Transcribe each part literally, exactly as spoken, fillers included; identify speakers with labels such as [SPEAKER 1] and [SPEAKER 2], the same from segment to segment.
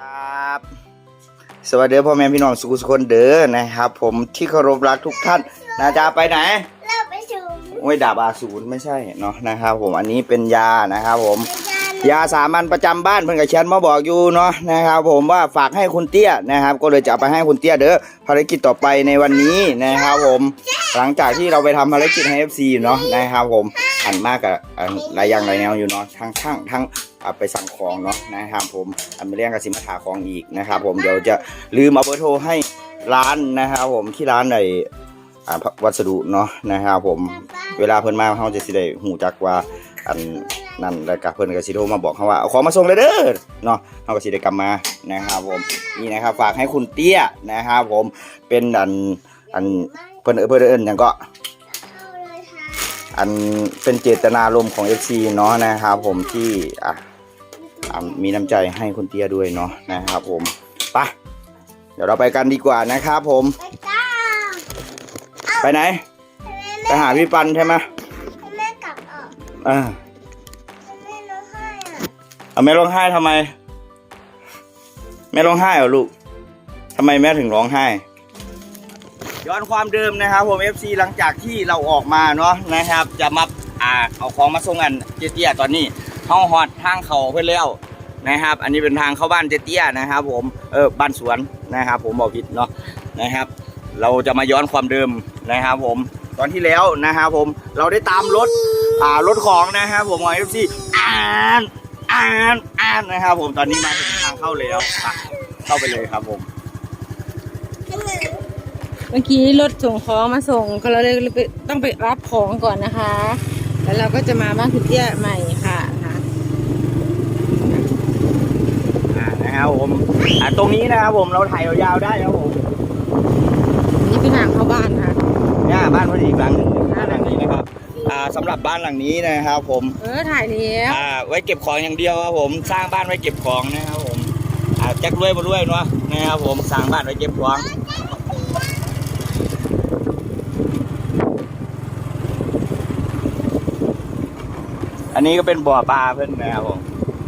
[SPEAKER 1] ครับสวัสดีพ่อแม่พี่น้องสุขุสุคนเด้อนะครับผมที่เคารพรักทุกท่านนะจ๊ะไปไหน
[SPEAKER 2] เราไปสูง
[SPEAKER 1] โอ้ยดาบอาสูรไม่ใช่เนาะนะครับผมอันนี้เป็นยานะครับผมยาสามัญประจำบ้านเพื่อนกับเชนมาบอกอยู่เนาะนะครับผมว่าฝากให้คุณเตี้ยนะครับก็เลยจะไปให้คุณเตี้ยเด้อภารกิจต่อไปในวันนี้นะครับผมหลังจากที่เราไปทำภารกิจให้ เอฟ ซี เนาะนะครับผมอันมากกับหลายอย่างหลายแนวอยู่เนาะทั้งทั้งทั้งไปสั่งของเนาะนะครับผมอันไม่เรียกกับสิมาถาของอีกนะครับผมเดี๋ยวจะลืมเอาเบอร์โทรให้ร้านนะครับผมที่ร้านในวัสดุเนาะนะครับผมเวลาเพิ่นมาเขาจะสิได้หูจักว่าอันนั่นแล้วก็เพิ่นก็สิโทรมาบอกเขาว่าเอาของมาส่งเลยเด้อเนาะเขาก็สิได้กลับมานะครับผมนี่นะครับฝากให้คุณเตี้ยนะครับผมเป็นอันอันเพิ่นเพิ่นเอิ้นหยังก็อันเป็นเจตนารมณ์ของ เอฟ ซี เนาะนะครับผมที่อ่ะมีน้ำใจให้คุณเตี้ยด้วยเนาะนะครับผมไปเดี๋ยวเราไปกันดีกว่านะครับผมไปไหนไปหาพี่ปันใช่ไหม
[SPEAKER 2] แม่กลับออก
[SPEAKER 1] อ่า
[SPEAKER 2] แม่ร้องไห้อ่ะ
[SPEAKER 1] เอาแม่ร้องไห้ทำไมแม่ร้องไห้เหรอลูกทำไมแม่ถึงร้องไห้ย้อนความเดิมนะครับผม เอฟ ซี หลังจากที่เราออกมาเนาะนะครับจะมาอ่าเอาของมาส่งกันเจเตี้ยตอนนี้ห้องฮอดทางเขาเพื่อนแล้วนะครับอันนี้เป็นทางเข้าบ้านเจเตี้ยนะครับผมเออบ้านสวนนะครับผมบอกผิดเนาะนะครับเราจะมาย้อนความเดิมนะครับผมตอนที่แล้วนะครับผมเราได้ตามรถอ่ารถของนะครับผมของ เอฟ ซี อ่านอ่านอ่านนะครับผมตอนนี้มาถึงทางเข้าแล้วเข้าไปเลยครับผม
[SPEAKER 3] เมื่อกี้รถส่งของมาส่งก็เราเลยต้องไปรับของก่อนนะคะแล้วเราก็จะมาบ้านคุณเตี้ยใหม่ค่ะค่ะ
[SPEAKER 1] อ่านะครับผมอ่าตรงนี้นะครับผมเราถ่ายยาวๆได้ครับผม
[SPEAKER 3] นี่เป็นทางเข้าบ้านค่ะ
[SPEAKER 1] เนี่ยบ้านพอดีหลังนึงบ้านหลังนี้นะครับอ่าสำหรับบ้านหลังนี้นะครับผม
[SPEAKER 3] เออถ่ายแล้ว
[SPEAKER 1] อ่าไว้เก็บของอย่างเดียวครับผมสร้างบ้านไว้เก็บของนะครับผมอ่าแจ็ครวยมาด้วยเนาะนะครับผมสร้างบ้านไว้เก็บของอันนี้ก็เป็นบ่อปลาเพื่อนนะครับผม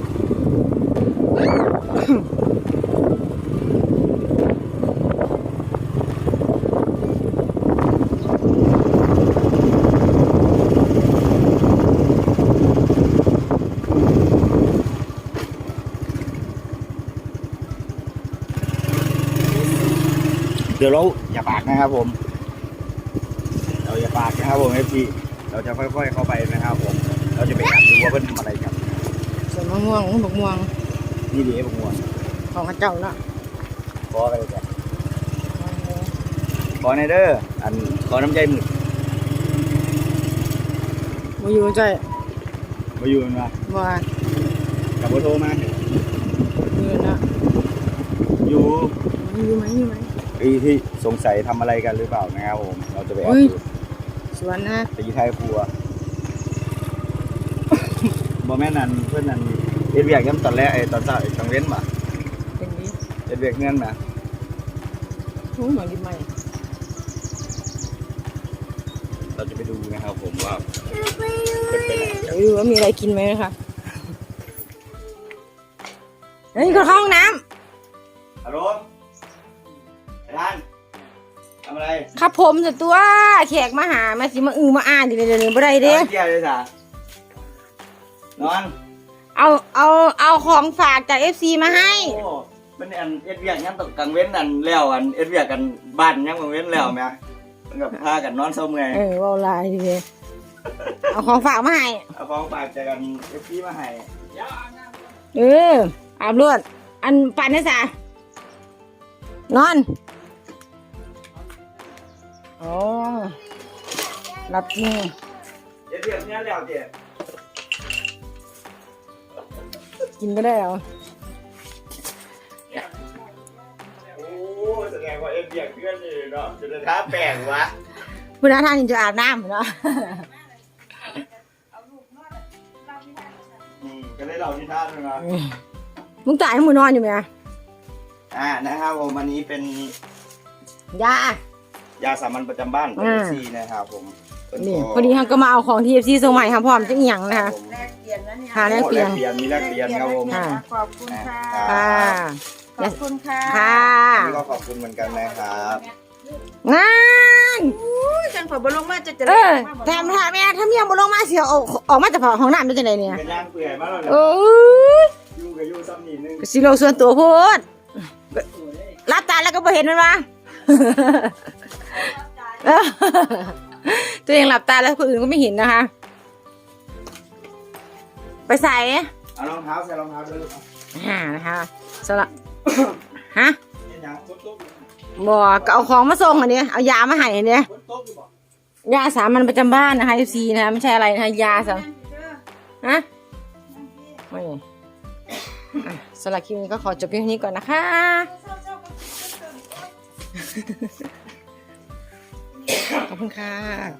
[SPEAKER 1] เดี๋ยวเราอย่าปากนะครับผมเราอย่าปากนะครับผมเอฟซีเราจะค่อยๆเข้าไปนะครับผมเราจะไปดูว่าเพื่อนทำอะไรกัน
[SPEAKER 3] ส่วนมะม่วงมะม่วง
[SPEAKER 1] นี่ดีมะม่วง
[SPEAKER 3] ของเจ้าเนาะ
[SPEAKER 1] ขออะไรจ้ะขอในเด้ออันขอน้ำใจหมึก
[SPEAKER 3] มาอยู่ใจ
[SPEAKER 1] มาอยู่มา
[SPEAKER 3] ว่า
[SPEAKER 1] กับโบโทรมา
[SPEAKER 3] อยู่นะ
[SPEAKER 1] อยู่
[SPEAKER 3] อยู่ไหมอยู่ไหม
[SPEAKER 1] ไอ้ที่สงสัยทำอะไรกันหรือเปล่านะครับผมเราจะไปแอบดู
[SPEAKER 3] สวนนะ
[SPEAKER 1] ตีไทยครัวบอแม่นันเพื่อนนันเอ็ดเวียกย้ำตอนแรกไอ้ตอนเช้าไอ้ตังเว้นมา
[SPEAKER 3] เป็นนี้
[SPEAKER 1] เอ็ดเวียกเงินมา
[SPEAKER 3] โอ้เหมือนดิบใหม่
[SPEAKER 1] เราจะไปดูนะครับผมว่าเป็นไปไหน
[SPEAKER 3] เดี๋ยวดูว่ามีอะไรกินไหมนะคะเฮ้ยก็เข้าห้องน้
[SPEAKER 1] ำฮัลโหลไอ้ท่านทำอะไร
[SPEAKER 3] ครับผมจะตัวแขกมาหามาสิมาอือมาอ่านดิเดี๋ยวนี้บ่ได้เด้
[SPEAKER 1] เกี่ยวเลยจ้ะนอน
[SPEAKER 3] เอาเอาเอาของฝากจาก เอฟ ซี มาให้
[SPEAKER 1] โอ้เป็นอันเอ็ดเวียกงั้นตกกลางเว้นอันแล้วอันเอ็ดเวียกกันบ้านยังกลางเว้นแล้วไหมมันกับพากันนอนเศร้าเมื่อย
[SPEAKER 3] เออว่าลายดีเลยเอาของฝากมาให้
[SPEAKER 1] เอาของฝากจากกันเอฟซีมาให้
[SPEAKER 3] เอออาบรวดอันปั่นได้สานอนโอ้รับนี่
[SPEAKER 1] เอ็ดเวียกเนี้ยแล้วเจ๊
[SPEAKER 3] กินก็ได้เหรอ
[SPEAKER 1] โอ้แสดงว่าเอ็ดเบียกเพื่อนนี่เนาะจะท้าแปลงวะ
[SPEAKER 3] คุณน้าท่านจะอาบน้ำเนาะ
[SPEAKER 1] อืมก็ได้เราที่ท่าด้วยนะ
[SPEAKER 3] มึงจ่ายให้มึงนอนอยู่ไหม
[SPEAKER 1] อ่านะครับผมวันนี้เป็น
[SPEAKER 3] ย
[SPEAKER 1] ายาสามัญประจำบ้านเอฟซีนะครับผม
[SPEAKER 3] นี่พอดีเขาก็มาเอาของที่เอฟซีส่งใหม่ครับพร้อมจะเอียงนะคะ
[SPEAKER 2] แลกเปลี่ยนนะเนี่ย
[SPEAKER 3] ค่ะแลกเปลี่ยน
[SPEAKER 1] มีแลกเปลี่ยนครับผม
[SPEAKER 2] ขอบคุณค่ะ
[SPEAKER 3] ค่ะขอบคุณค่ะค่ะ
[SPEAKER 1] นี่ก็ขอบคุณเหมือนกันนะครับ
[SPEAKER 3] งาน
[SPEAKER 4] จังฝอยบลงมาจะจะ
[SPEAKER 3] เออแถมถ้าแม่ถ้าเมียบ่ลงมาเสียออกออกมาจากห้องน้ำได้จังไดเนี่ย
[SPEAKER 1] เป็นย่างเปื่อยมากเลย
[SPEAKER 3] โอ้ย
[SPEAKER 1] ยูกับยูซ้ำนี่นึง
[SPEAKER 3] ก็สิโลส่วนตัวโพดรับตาแล้วก็บ่เห็นมันวะ เออตัวเองหลับตาแล้วคนอื่นก็ไม่เห็นนะคะ ไปใส่
[SPEAKER 1] เอารองเท้าใส่รองเท้าด้วยลูก
[SPEAKER 3] อ่านะคะสำหรับ ฮะ
[SPEAKER 1] เป็นย่างตุ๊บตุ๊บ
[SPEAKER 3] บอกก็เอาของมาส่งอันนี้เอายามาให้อันนี้
[SPEAKER 1] ตุ๊บตุ๊บอยู่บ่
[SPEAKER 3] ยาสามัญประจำบ้านนะคะ เอฟ ซี นะคะไม่ใช่อะไรนะคะยาสาฮะไม่อ่ะสำหรับคลิปนี้ก็ขอจบเพียงเท่านี้ก่อนนะคะ ขอบคุณค่ะ